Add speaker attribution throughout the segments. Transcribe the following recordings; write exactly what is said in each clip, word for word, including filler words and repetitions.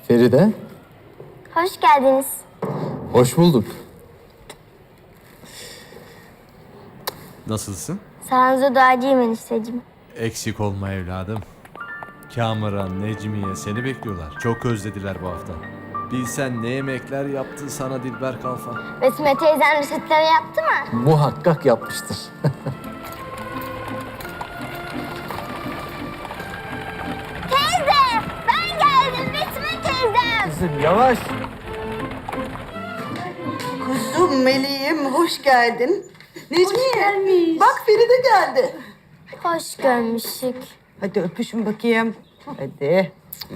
Speaker 1: Feride,
Speaker 2: Hoş geldiniz.
Speaker 1: hoş bulduk.
Speaker 3: Nasılsın?
Speaker 2: Sağınıza duacıyım enişteciğim.
Speaker 3: Eksik olma evladım. Kamuran, Necmiye seni bekliyorlar. Çok özlediler bu hafta. Bilsen ne yemekler yaptı sana Dilber Kalfa.
Speaker 2: Besme teyzen reçetleri yaptı mı?
Speaker 1: Muhakkak yapmıştır.
Speaker 2: Teyze! Ben geldim Besme teyzem.
Speaker 1: Kızım yavaş.
Speaker 4: Kuzum Meleğim hoş geldin. Necmiye
Speaker 2: gelmiş.
Speaker 4: bak Feride geldi.
Speaker 2: Hoş görmüştük.
Speaker 4: Hadi öpüşün bakayım. Hadi.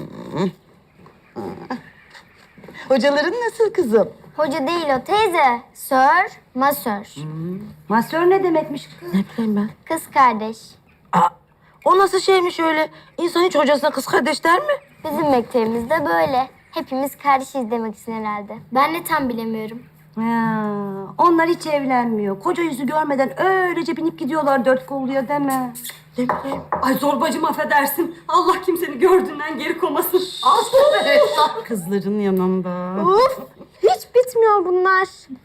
Speaker 4: Hocaların nasıl kızım?
Speaker 2: Hoca değil o teyze. Sör, masör.
Speaker 5: Masör ne demekmiş kız?
Speaker 4: Ne bileyim ben.
Speaker 2: Kız kardeş.
Speaker 5: Aa, o nasıl şeymiş öyle? İnsan hiç hocasına kız kardeş der mi?
Speaker 2: Bizim mektebimizde böyle. Hepimiz kardeşiz demek için herhalde. Ben de tam bilemiyorum.
Speaker 5: Ha, onlar hiç evlenmiyor. Koca yüzü görmeden öylece binip gidiyorlar dört kolluya deme.
Speaker 4: Ne bileyim.
Speaker 6: Ay zorbacım affedersin. Allah kimseni gördüğünden geri komasın.
Speaker 4: Kızların yanında.
Speaker 2: Uf! Hiç bitmiyor bunlar.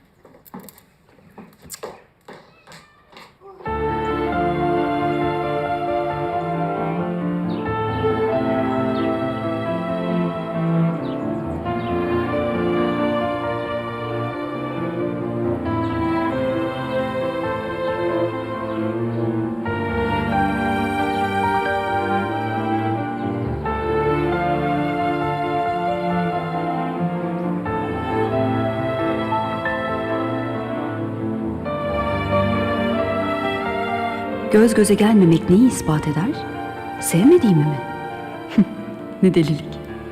Speaker 7: Göz göze gelmemek neyi ispat eder? Sevmediğimi mi? Ne delilik.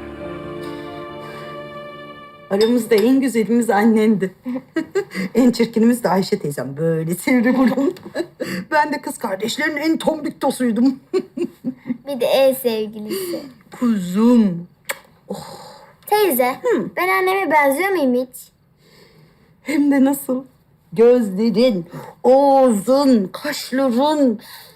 Speaker 4: Aramızda en güzelimiz annendi. En çirkinimiz de Ayşe teyzem. Böyle sivri burun. Ben de kız kardeşlerin en tombik tosuydum.
Speaker 2: Bir de en sevgilisi.
Speaker 4: Kuzum.
Speaker 2: Teyze, ben anneme benziyor muyum hiç?
Speaker 4: Hem de nasıl? Gözlerin, ağzın, kaşların.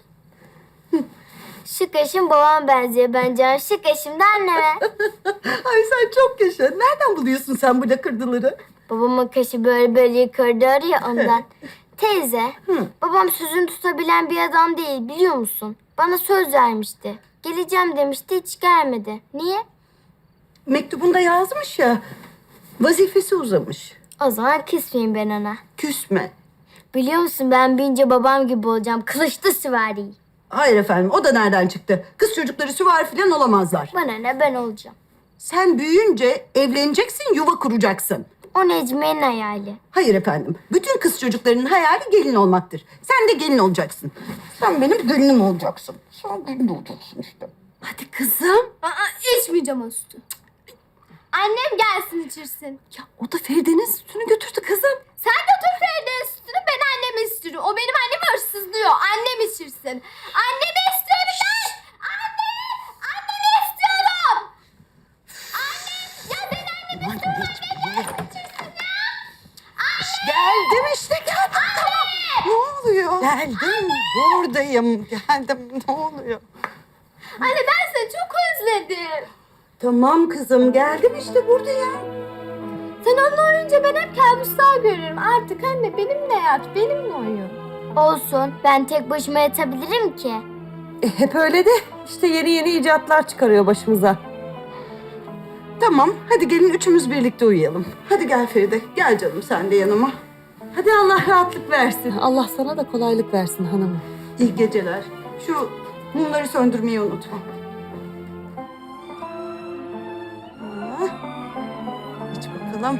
Speaker 2: Şu kaşım babama benziyor bence. Şu kaşım da anneme.
Speaker 4: Ay sen çok yaşa. Nereden buluyorsun sen bu lakırdıları?
Speaker 2: Babamın kaşı böyle böyle yukarıda arıyor ondan. Teyze, babam sözünü tutabilen bir adam değil biliyor musun? Bana söz vermişti. Geleceğim demişti hiç gelmedi. Niye?
Speaker 4: Mektubunda yazmış ya. Vazifesi uzamış.
Speaker 2: O zaman küsmeyeyim ben ona.
Speaker 4: Küsme.
Speaker 2: Biliyor musun ben büyünce babam gibi olacağım. Kılıçlı süvari.
Speaker 4: Hayır efendim, o da nereden çıktı? Kız çocukları süvari falan olamazlar.
Speaker 2: Bana ne ben olacağım.
Speaker 4: Sen büyüyünce evleneceksin, yuva kuracaksın.
Speaker 2: O Necmiye'nin hayali.
Speaker 4: Hayır efendim, bütün kız çocuklarının hayali gelin olmaktır. Sen de gelin olacaksın. Sen benim gelinim olacaksın. Sen gelin olacaksın işte. Hadi kızım.
Speaker 2: Aa, içmeyeceğim o sütü. Annem gelsin içirsin.
Speaker 4: Ya o da Feride'nin sütünü götürdü kızım.
Speaker 2: Sen götür Feride'nin sütünü ben anneme istiyorum. O benim annemi hırsızlıyor. Annem içirsin. Annemi istiyorum ben. Anne! Annemi istiyorum. Anne! Ya ben annemi istiyorum. Annem içirsin ya.
Speaker 4: Geldim işte geldim. Tamam. Ne oluyor? Geldim. Buradayım. Geldim. Ne oluyor?
Speaker 2: Anne ben seni çok özledim.
Speaker 4: Tamam kızım. Geldim işte buradayım.
Speaker 2: Sen onunla oyunca ben hep kabuslar görüyorum. Artık anne benimle yat, benimle oyun. Olsun. Ben tek başıma yatabilirim ki.
Speaker 6: E, hep öyle de işte yeni yeni icatlar çıkarıyor başımıza.
Speaker 4: Tamam. Hadi gelin üçümüz birlikte uyuyalım. Hadi gel Feride. Gel canım sen de yanıma.
Speaker 6: Hadi Allah rahatlık versin. Allah sana da kolaylık versin hanımım.
Speaker 4: İyi geceler. Şu mumları söndürmeyi unutma. Ah. İç bakalım.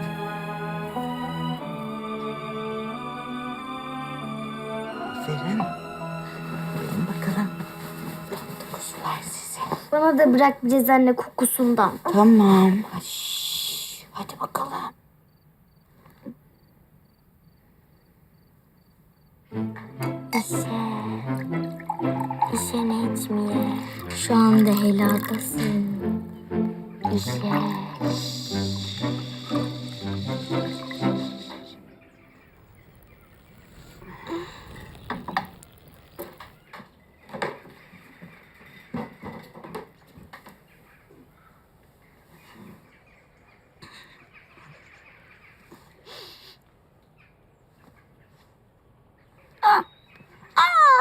Speaker 4: Aferin. Buyurun bakalım. Kuzular size.
Speaker 2: Bana da bırak biraz anne kokusundan.
Speaker 4: Tamam. Şşş, hadi bakalım.
Speaker 2: İşe. İşe Necmiye. Şu anda heladasın. İşe.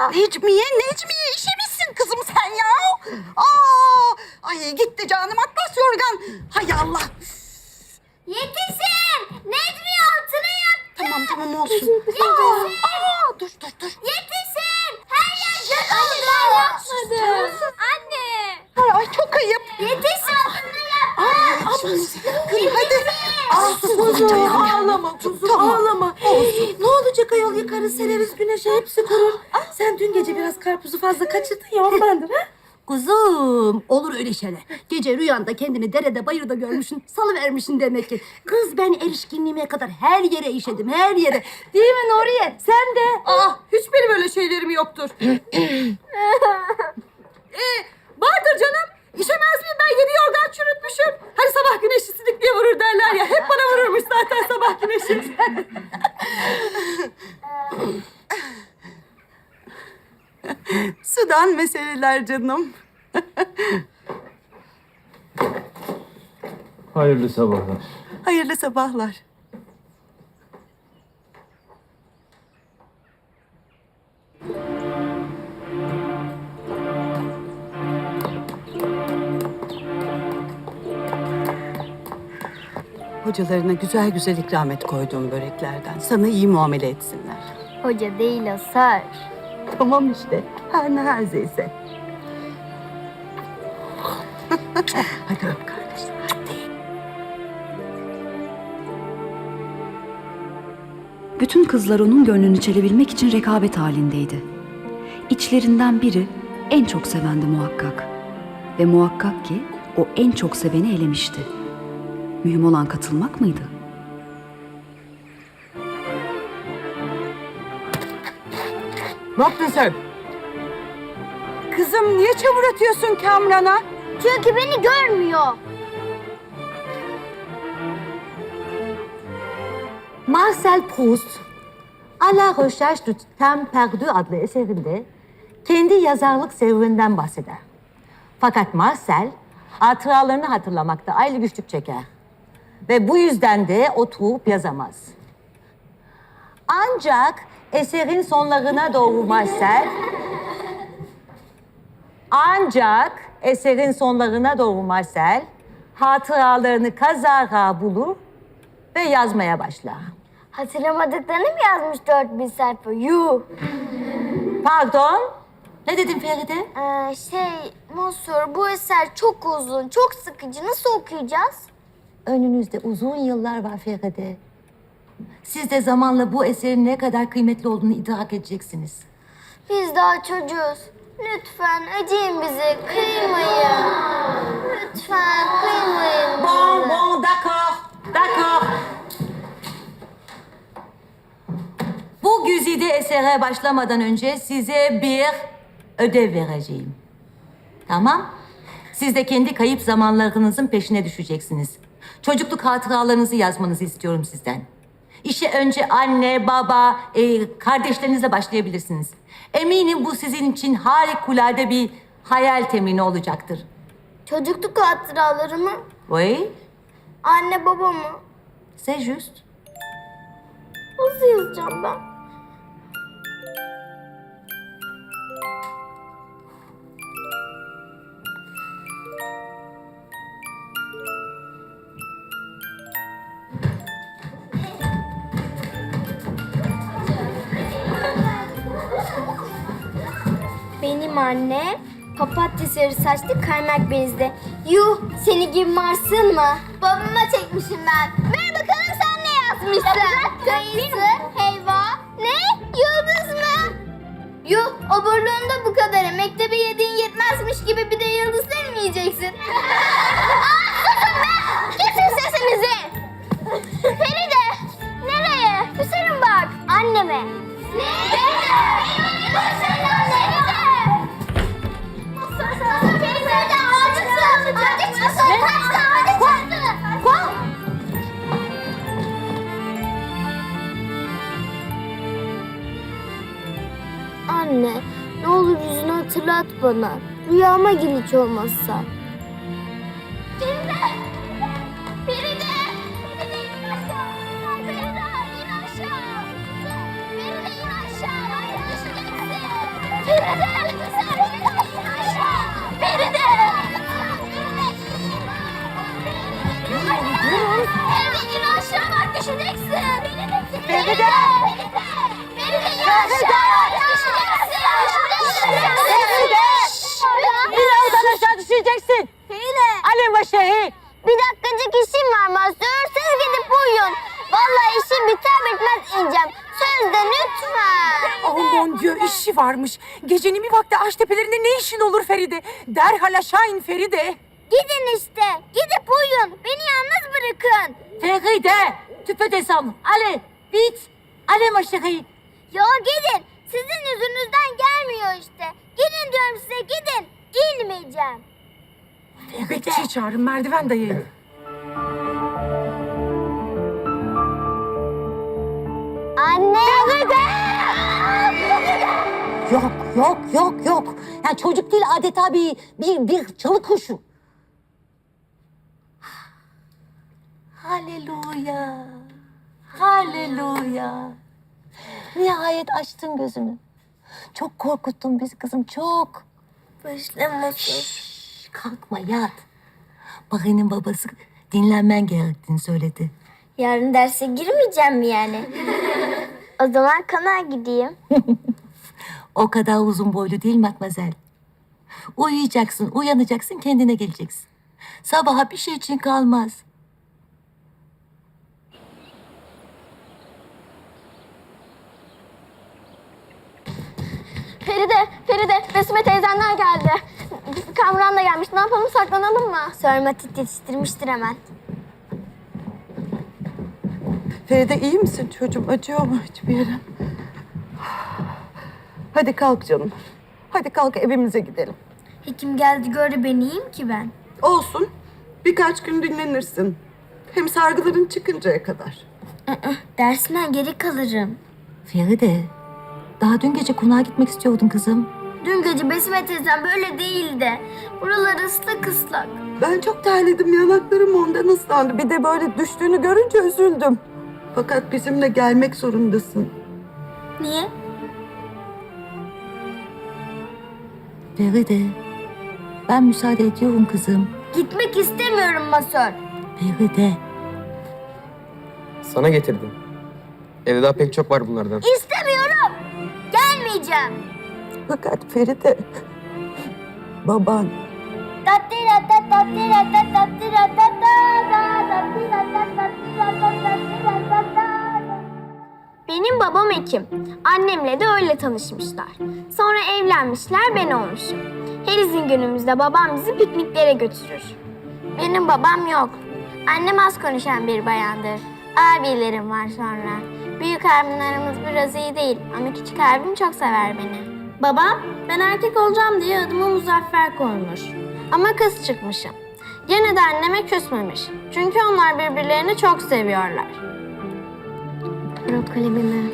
Speaker 4: Necmiye, Necmiye işemişsin kızım sen ya. Aa, ay gitti canım atlas yorgan. Hay Allah.
Speaker 2: Yetişin! Necmiye altına yattı.
Speaker 4: Tamam tamam olsun.
Speaker 2: Yetişin!
Speaker 4: Aa, dur dur dur.
Speaker 2: Yetişin! Her yer can oldu. Ben yapmadım. Anne!
Speaker 4: Ay, ay çok ayıp.
Speaker 2: Yetişin! Altına
Speaker 4: Ay,
Speaker 2: yattı.
Speaker 4: hadi. hadi. Al
Speaker 6: Kuzum
Speaker 4: canım.
Speaker 6: ağlama kuzum
Speaker 4: Tamam.
Speaker 6: ağlama. Hey, ne olacak ayol yıkarız sereriz güneşe hepsi kurur. Sen dün gece biraz karpuzu fazla kaçırdın ya ondandır ha.
Speaker 5: Kuzum olur öyle şeyler. Gece rüyanda kendini derede bayırda görmüşsün, salıvermişsin demek ki. Kız ben erişkinliğime kadar her yere işedim, her yere. Değil mi Nuriye? Sen de.
Speaker 6: Aa hiç benim öyle şeylerim yoktur. ee, vardır canım. İşemez miyim ben yedi yorgan çürütmüşüm. Hani sabah güneşi sidikliğe vurur derler ya. Hep bana vururmuş zaten sabah güneşi.
Speaker 4: Sudan meseleler canım.
Speaker 1: Hayırlı sabahlar.
Speaker 4: Hayırlı sabahlar. Hocalarına güzel güzel ikram et koyduğum böreklerden. Sana iyi muamele etsinler.
Speaker 2: Hoca değil o sar.
Speaker 4: Tamam işte. Her ne herzeyse. Hadi öp kardeşim.
Speaker 7: Bütün kızlar onun gönlünü çelebilmek için rekabet halindeydi. İçlerinden biri en çok sevendi muhakkak. Ve muhakkak ki o en çok seveni elemişti. Mühim olan katılmak mıydı?
Speaker 4: Ne yaptın sen? Kızım niye çamur atıyorsun Kamran'a?
Speaker 2: Çünkü beni görmüyor.
Speaker 5: Marcel Proust, A la Recherche du Temps Perdu adlı eserinde kendi yazarlık serüveninden bahseder. Fakat Marcel hatıralarını hatırlamakta ayrı güçlük çeker. Ve bu yüzden de oturup yazamaz. Ancak eserin sonlarına doğru Marcel... Ancak eserin sonlarına doğru Marcel hatıralarını kazara bulur ve yazmaya başlar.
Speaker 2: Hatırlamadıklarını mı yazmış dört bin sayfa? Yuh!
Speaker 5: Pardon? Ne dedin Feride?
Speaker 2: Ee, şey, Monsieur, bu eser çok uzun, çok sıkıcı. Nasıl okuyacağız?
Speaker 5: Önünüzde uzun yıllar var Feride. Siz de zamanla bu eserin ne kadar kıymetli olduğunu idrak edeceksiniz.
Speaker 2: Biz daha çocuğuz. Lütfen acıyın bize, kıymayın. Lütfen kıymayın.
Speaker 5: Bon, bon, d'accord, d'accord. Bu güzide esere başlamadan önce size bir ödev vereceğim. Tamam? Siz de kendi kayıp zamanlarınızın peşine düşeceksiniz. Çocukluk hatıralarınızı yazmanızı istiyorum sizden. İşe önce anne, baba, e, kardeşlerinizle başlayabilirsiniz. Eminim bu sizin için harikulade bir hayal temini olacaktır.
Speaker 2: Çocukluk hatıraları mı?
Speaker 5: Oui,
Speaker 2: Anne baba mı?
Speaker 5: c'est juste.
Speaker 2: Nasıl yazacağım ben? Benim anne papatya sarı saçlı kaymak benizli. Yuh, seni gibi Mars'ın mı? Babama çekmişim ben. Ver bakalım sen ne yazmışsın? Kayısı, helva, ne? Yıldız mı? Yuh, oburluğunda bu kadar. Mektebe yediğin yetmezmiş gibi bir de yıldız demeyeceksin. Aa, susun be! Kesin sesinizi! Feride, nereye? Hüseyin bak, anneme. Ne? Anne, ne olur yüzünü hatırlat bana. Rüyama gir hiç olmazsa. Feride! Feride! Feride in aşağı! Feride in aşağı! Feride in aşağı! Hadi düşeceksin! Düşeceksin. Beni de Feride. Feride. Feride aşağı düşeceksin. Feride.
Speaker 6: Birazdan aşağı düşeceksin.
Speaker 2: Feride.
Speaker 6: Ali Başehi.
Speaker 2: Bir dakikacık işim var Mazhar. Siz gidip uyuyun. Vallahi işim biter bitmez ineceğim. Sözde lütfen.
Speaker 6: Oh mon dieu, işi varmış. Gecenin bir vakti ağaç tepelerinde ne işin olur Feride? Derhal aşağı in Feride.
Speaker 2: Gidin işte. Gidip uyuyun. Beni yalnız bırakın.
Speaker 5: Feride, tu peux descendre. Allez, vite. Allez ma chérie.
Speaker 2: Ya gidin. Sizin yüzünüzden gelmiyor işte. Gidin diyorum size gidin. İnmeyeceğim.
Speaker 6: Bekçiyi çağırın, merdiven dayayın.
Speaker 2: Anne.
Speaker 8: Yok, yok, yok, yok. Yani çocuk değil, adeta bir, bir, bir çalı kuşu.
Speaker 5: Halleluya. Halleluya.
Speaker 8: Nihayet açtın gözünü. Çok korkuttun bizi kızım, çok.
Speaker 2: Başlamasın.
Speaker 5: Kalkma yat. Bahar'ın babası dinlenmen gerektiğini söyledi.
Speaker 2: Yarın derse girmeyeceğim mi yani? O zaman konağa gideyim.
Speaker 5: O kadar uzun boylu değil matmazel. Uyuyacaksın, uyanacaksın, kendine geleceksin. Sabaha bir şey için kalmaz.
Speaker 2: Feride, Feride, Besime teyzenler geldi. Kamran da gelmiş. Ne yapalım, saklanalım mı? Sorma, titreştirmiştir hemen.
Speaker 4: Feride iyi misin çocuğum? Acıyor mu hiçbir yerin? Hadi kalk canım. Hadi kalk evimize gidelim.
Speaker 2: Hekim geldi gördü beni, iyiyim ki ben.
Speaker 4: Olsun. Birkaç gün dinlenirsin. Hem sargıların çıkıncaya kadar.
Speaker 2: Dersinden geri kalırım.
Speaker 5: Feride, daha dün gece konağa gitmek istiyordun kızım.
Speaker 2: Dün gece Besime teyzem böyle değildi. Buraları ıslak ıslak.
Speaker 4: Ben çok terledim. Yanaklarım ondan ıslandı. Bir de böyle düştüğünü görünce üzüldüm. Fakat bizimle gelmek zorundasın.
Speaker 2: Niye?
Speaker 5: Feride, ben müsaade ediyorum kızım.
Speaker 2: Gitmek istemiyorum Masör.
Speaker 5: Feride,
Speaker 1: Sana getirdim. Evde daha pek çok var bunlardan.
Speaker 2: İstemiyorum. Gelmeyeceğim.
Speaker 4: Fakat Feride, baban
Speaker 2: Tattira tat tattira tat tattira tat ta tattira tat tattira tat tattira tat ta. Benim babam hekim. Annemle de öyle tanışmışlar. Sonra evlenmişler, ben olmuşum. Her izin günümüzde babam bizi pikniklere götürür. Benim babam yok. Annem az konuşan bir bayandır. Abilerim var sonra. Büyük abimle aramız biraz iyi değil ama küçük abim çok sever beni. Babam, ben erkek olacağım diye adımı Muzaffer koymuş. Ama kız çıkmışım. Gene de anneme küsmemiş. Çünkü onlar birbirlerini çok seviyorlar. Bırak kalemimi.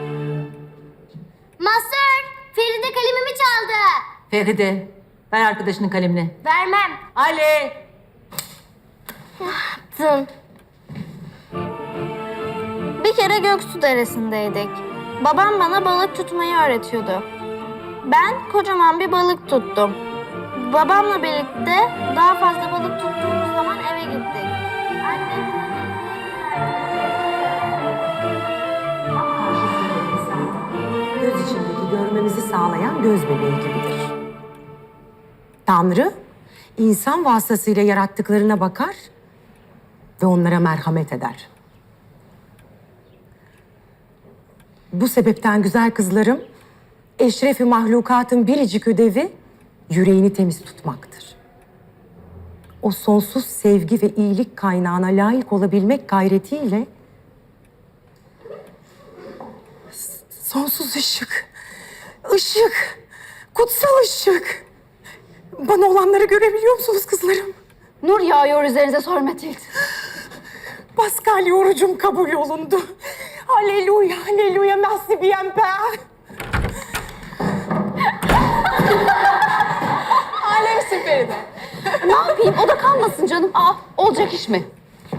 Speaker 2: Masör, Feride kalemimi çaldı.
Speaker 5: Feride, ver arkadaşının kalemini.
Speaker 2: Vermem.
Speaker 5: Ali!
Speaker 2: Tın. Bir kere Göksu Deresi'ndeydik. Babam bana balık tutmayı öğretiyordu. Ben kocaman bir balık tuttum. Babamla birlikte daha fazla balık tuttuğumuz zaman eve gittik. Annem...
Speaker 8: Göz içindeki görmemizi sağlayan göz bebeği gibidir. Tanrı, insan vasıtasıyla yarattıklarına bakar ve onlara merhamet eder. Bu sebepten güzel kızlarım, eşrefi mahlukatın biricik ödevi yüreğini temiz tutmaktır. O sonsuz sevgi ve iyilik kaynağına layık olabilmek gayretiyle
Speaker 6: Sonsuz ışık, ışık, kutsal ışık. Bana olanları görebiliyor musunuz kızlarım?
Speaker 2: Nur yağıyor üzerinize Sor Matilde.
Speaker 6: Pascal orucum kabul olundu. Aleluya, aleluya, merci bien père.
Speaker 9: Alemsin Feride. Ne yapayım? O da kalmasın canım. Aa, olacak iş mi?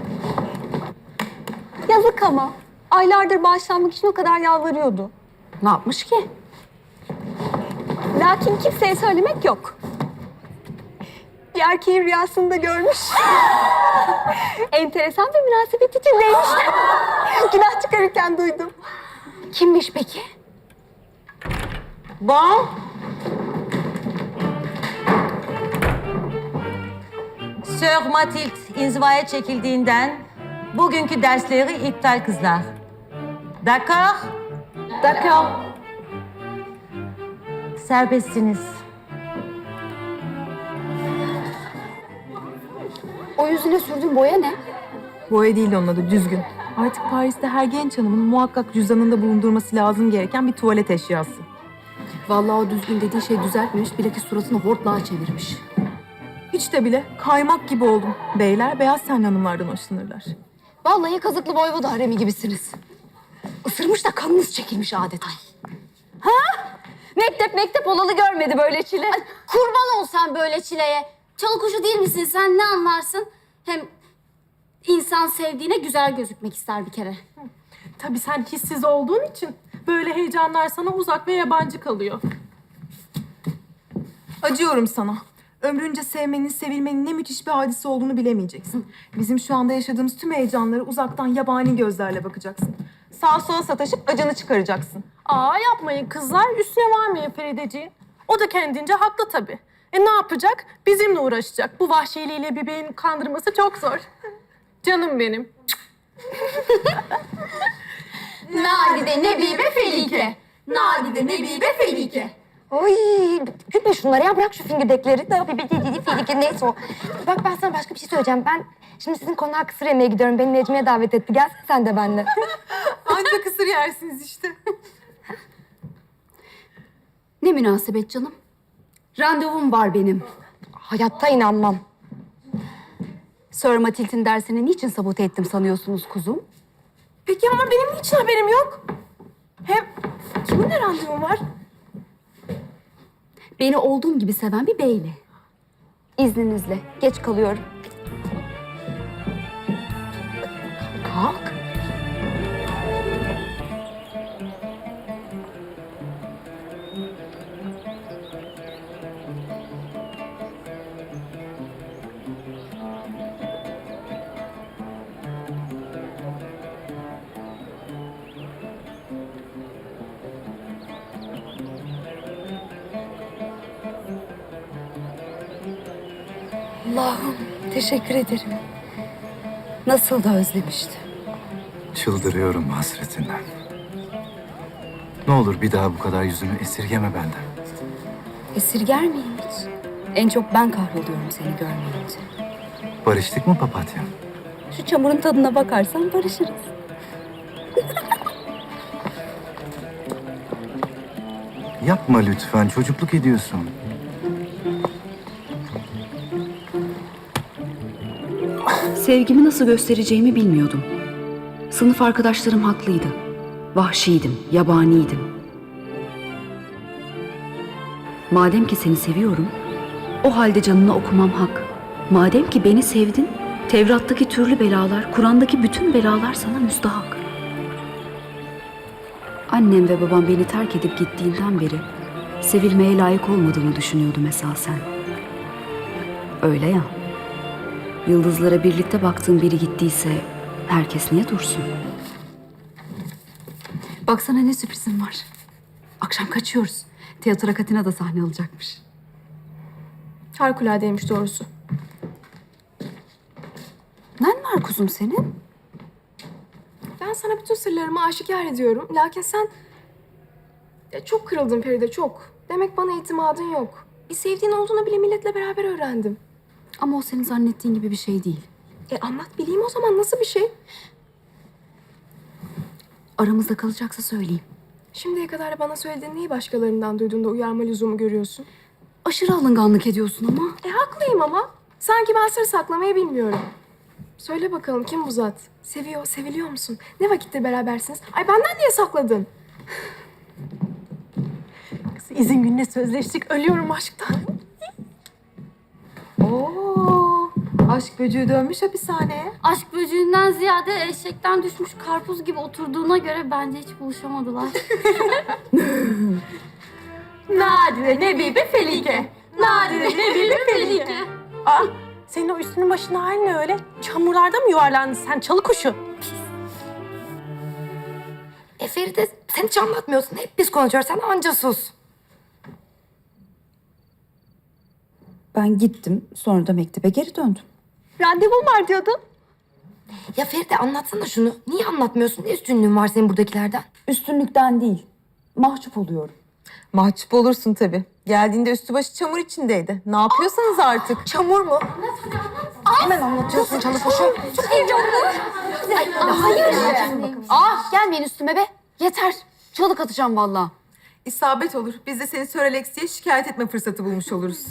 Speaker 9: Yazık ama. Aylardır bağışlanmak için o kadar yalvarıyordu.
Speaker 6: Ne yapmış ki?
Speaker 9: Lakin kimseye söylemek yok. bir erkeğin rüyasında görmüş. Enteresan bir münasebet içindeymiş. Günah çıkarırken duydum. Kimmiş peki?
Speaker 4: Bon.
Speaker 5: Sir Mathilde inzivaya çekildiğinden bugünkü dersleri iptal kızlar. D'accord?
Speaker 9: D'accord.
Speaker 5: Serbestsiniz.
Speaker 9: O yüzüne sürdüğün boya ne?
Speaker 6: Boya değil onun adı, düzgün. Artık Paris'te her genç hanımın muhakkak cüzdanında bulundurması lazım gereken bir tuvalet eşyası.
Speaker 9: Vallahi o düzgün dediği şey düzeltmemiş, bilakis suratını hortlağa çevirmiş.
Speaker 6: Hiç de bile kaymak gibi oldum. Beyler beyaz tenli hanımlardan hoşlanırlar.
Speaker 9: Vallahi kazıklı voyvoda haremi gibisiniz. Isırmış da kanınız çekilmiş adeta. Ha? Mektep mektep olalı görmedi böyle çile.
Speaker 2: Ay, kurban ol sen böyle çileye. Çalı kuşu değil misin sen, ne anlarsın? Hem insan sevdiğine güzel gözükmek ister bir kere.
Speaker 6: Tabii sen hissiz olduğun için böyle heyecanlar sana uzak ve yabancı kalıyor. Acıyorum sana. Ömrünce sevmenin, sevilmenin ne müthiş bir hadise olduğunu bilemeyeceksin. Bizim şu anda yaşadığımız tüm heyecanları uzaktan yabani gözlerle bakacaksın. Sağa sola sataşıp acını çıkaracaksın.
Speaker 10: Aa yapmayın kızlar, üstüne varmayın Ferideciğim. O da kendince haklı tabii. E ne yapacak? Bizimle uğraşacak. Bu vahşiliğiyle bir beyin kandırması çok zor. Canım benim.
Speaker 2: Nadide, Nebibe, Felike. Nadide, Nebibe, Felike.
Speaker 9: Oy, gülme şunları ya, bırak şu fingirdekleri. Ne yapayım, filike neyse o. Bak ben sana başka bir şey söyleyeceğim. Ben şimdi sizin konağa kısır yemeye gidiyorum. Beni Necmiye davet etti. Gelsene sen de benimle.
Speaker 6: Ancak kısır yersiniz işte.
Speaker 2: Ne münasebet canım. Randevum var benim.
Speaker 9: Hayatta inanmam. Sir Mathilde'in dersini niçin sabote ettim sanıyorsunuz kuzum?
Speaker 10: Peki ama benim niçin haberim yok? Hem kiminle randevum var?
Speaker 2: Beni olduğum gibi seven bir beyle.
Speaker 9: İzninizle. Geç kalıyorum. Kalk. Allah'ım teşekkür ederim. Nasıl da özlemiştim.
Speaker 11: Çıldırıyorum hasretinden. Ne olur bir daha bu kadar yüzünü esirgeme benden.
Speaker 9: Esirger miyim hiç? En çok ben kahroluyorum seni görmeyince.
Speaker 11: Barıştık mı papatya?
Speaker 9: Şu çamurun tadına bakarsan barışırız.
Speaker 11: Yapma lütfen, çocukluk ediyorsun.
Speaker 7: Sevgimi nasıl göstereceğimi bilmiyordum. Sınıf arkadaşlarım haklıydı. Vahşiydim, yabaniydim. Madem ki seni seviyorum, o halde canını okumam hak. Madem ki beni sevdin, Tevrat'taki türlü belalar, Kur'an'daki bütün belalar sana müstahak. Annem ve babam beni terk edip gittiğinden beri sevilmeye layık olmadığımı düşünüyordum esasen. Öyle ya. Yıldızlara birlikte baktığım biri gittiyse herkes niye dursun?
Speaker 9: Baksana ne sürprizim var. Akşam kaçıyoruz. Tiyatro Katina da sahne alacakmış.
Speaker 10: Harikuladeymiş doğrusu.
Speaker 9: Nen var kuzum senin?
Speaker 10: Ben sana bütün sırlarımı aşikar ediyorum. Lakin sen... Ya çok kırıldın Feride, çok. Demek bana itimadın yok. Bir sevdiğin olduğunu bile milletle beraber öğrendim.
Speaker 9: Ama o senin zannettiğin gibi bir şey değil.
Speaker 10: E anlat bileyim o zaman, nasıl bir şey?
Speaker 9: Aramızda kalacaksa söyleyeyim.
Speaker 10: Şimdiye kadar bana söylediğin neyi başkalarından duyduğunda uyarma lüzumu görüyorsun?
Speaker 9: Aşırı alınganlık ediyorsun ama.
Speaker 10: E haklıyım ama. Sanki ben sır saklamayı bilmiyorum. Söyle bakalım, kim bu zat? Seviyor, seviliyor musun? Ne vakittir berabersiniz? Ay benden niye sakladın? Kız, izin gününe sözleştik. Ölüyorum aşktan.
Speaker 6: Oo, aşk böceği dönmüş hapishaneye.
Speaker 2: Aşk böceğinden ziyade eşekten düşmüş karpuz gibi oturduğuna göre bence hiç buluşamadılar.
Speaker 10: Nadide, Nebibe, Felike. Nadide, Nebibe, Felike.
Speaker 12: Aa, senin o üstünün başına hali ne öyle? Çamurlarda mı yuvarlandın sen çalı kuşu?
Speaker 9: E Feride sen hiç anlatmıyorsun. Hep biz konuşuyoruz. Sen anca sus.
Speaker 7: Ben gittim, sonra da mektebe geri döndüm.
Speaker 12: Randevum var diyordun.
Speaker 9: Ya Feride anlatsana şunu. Niye anlatmıyorsun? Ne üstünlüğün var senin buradakilerden?
Speaker 7: Üstünlükten değil, mahcup oluyorum.
Speaker 6: Mahcup olursun tabii. Geldiğinde üstü başı çamur içindeydi. Ne yapıyorsanız artık.
Speaker 9: Çamur mu? Hemen anlatıyorsun çalı kuşu. Çok heyecanlı. Ay, hayır.
Speaker 2: Ah gelmeyin üstüme be. Yeter. Çalık atacağım vallahi.
Speaker 6: İsabet olur. Biz de seni Sir Alex'e şikayet etme fırsatı bulmuş oluruz.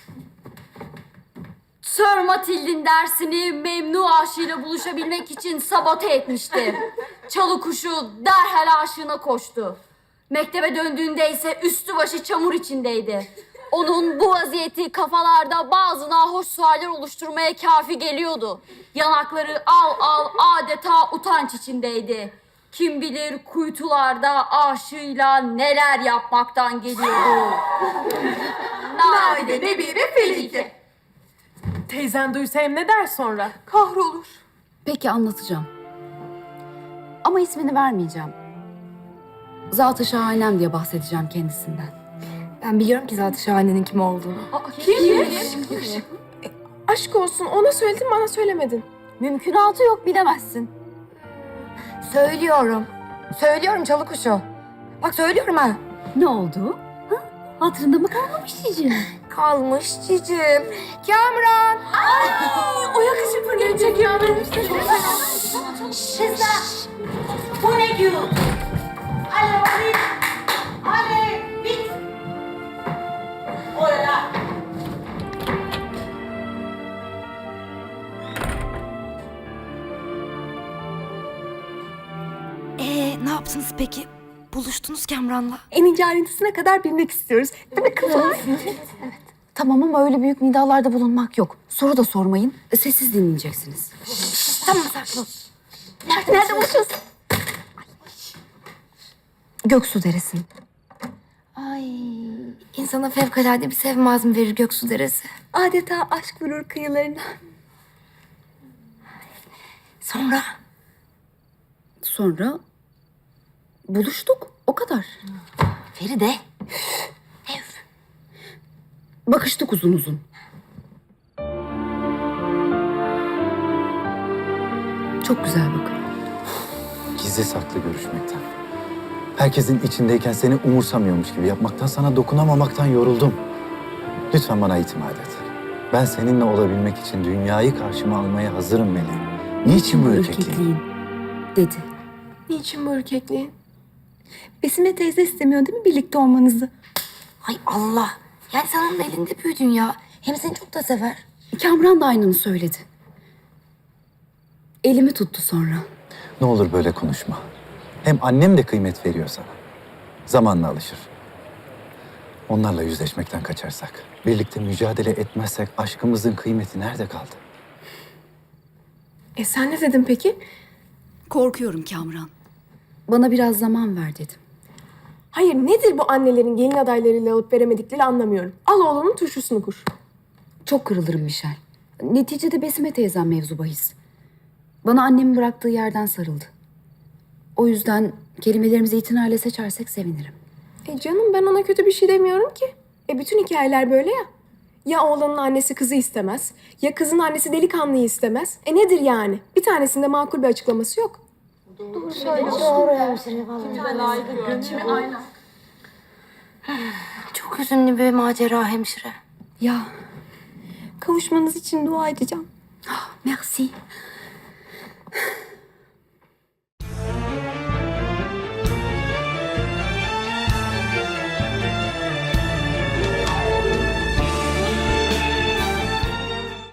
Speaker 2: Sir Matild'in dersini Memnu aşığıyla buluşabilmek için sabote etmişti. Çalı kuşu derhal aşığına koştu. Mektebe döndüğünde ise üstü başı çamur içindeydi. Onun bu vaziyeti kafalarda bazı nahoş sualler oluşturmaya kafi geliyordu. Yanakları al al adeta utanç içindeydi. Kim bilir kuytularda aşığıyla neler yapmaktan geliyordu. Nadide bir felike.
Speaker 12: Teyzen duysa hem ne der sonra?
Speaker 6: Kahrolur.
Speaker 7: Peki anlatacağım. Ama ismini vermeyeceğim. Zat-ı şahanem diye bahsedeceğim kendisinden.
Speaker 9: Ben biliyorum ki zaten şahanenin kim olduğunu.
Speaker 10: Aşk olsun ona söyledin bana söylemedin.
Speaker 2: Mümkünatı yok bilemezsin.
Speaker 9: Söylüyorum. Söylüyorum çalı kuşu. Bak söylüyorum ha.
Speaker 7: Ne oldu? Ha? Hatırında mı kalmamış cicim?
Speaker 9: Kalmış cicim. Kamran.
Speaker 12: O yakışıklı gelecek ya benim işte.
Speaker 5: Bu ne diyor? Allez, allez, vite! Oh là là!
Speaker 9: Ee, ne yaptınız peki? Buluştunuz Kamran'la.
Speaker 6: En ince ayrıntısına kadar bilmek istiyoruz. Değil mi kızım?
Speaker 7: Tamam ama öyle büyük nidalarda bulunmak yok. Soru da sormayın. Sessiz dinleyeceksiniz.
Speaker 9: Tamam saklı.
Speaker 2: Nerede, nerede buluşuyorsun?
Speaker 7: Göksu Deresi.
Speaker 9: Ay, insana fevkalade bir sevme azmi verir Göksu Deresi.
Speaker 6: Adeta aşk vurur kıyılarına.
Speaker 9: Sonra?
Speaker 7: Sonra buluştuk. O kadar.
Speaker 9: Feride.
Speaker 7: Bakıştık uzun uzun. Çok güzel bakın.
Speaker 11: Gizli saklı görüşmekten. Herkesin içindeyken seni umursamıyormuş gibi yapmaktan, sana dokunamamaktan yoruldum. Lütfen bana itimat et. Ben seninle olabilmek için dünyayı karşıma almaya hazırım Meleğim. Niçin bu ürkekliğin?
Speaker 7: Dedi.
Speaker 10: Niçin bu ürkekliğin?
Speaker 6: Besime teyze istemiyor değil mi birlikte olmanızı?
Speaker 9: Ay Allah. Yani sen onun elinde büyüdün ya. Hem seni çok da sever.
Speaker 7: Kamran da aynını söyledi. Elimi tuttu sonra.
Speaker 11: Ne olur böyle konuşma. Hem annem de kıymet veriyor sana. Zamanla alışır. Onlarla yüzleşmekten kaçarsak, birlikte mücadele etmezsek aşkımızın kıymeti nerede kaldı?
Speaker 10: E sen ne dedin peki?
Speaker 7: Korkuyorum Kamran. Bana biraz zaman ver dedim.
Speaker 10: Hayır nedir bu annelerin gelin adaylarıyla alıp veremedikleri anlamıyorum. Al oğlanın turşusunu kur.
Speaker 7: Çok kırılırım Michel. Neticede Besime teyzem mevzu bahis. Bana annemin bıraktığı yerden sarıldı. O yüzden kelimelerimizi itinayla seçersek sevinirim.
Speaker 10: E canım ben ona kötü bir şey demiyorum ki. E bütün hikayeler böyle ya. Ya oğlanın annesi kızı istemez, ya kızın annesi delikanlıyı istemez. E nedir yani? Bir tanesinde makul bir açıklaması yok.
Speaker 9: Doğru söylüyorsun. Doğru hemşire vallahi. Çok hüzünlü bir macera hemşire.
Speaker 7: Ya,
Speaker 6: Kavuşmanız için dua edeceğim.
Speaker 7: merci.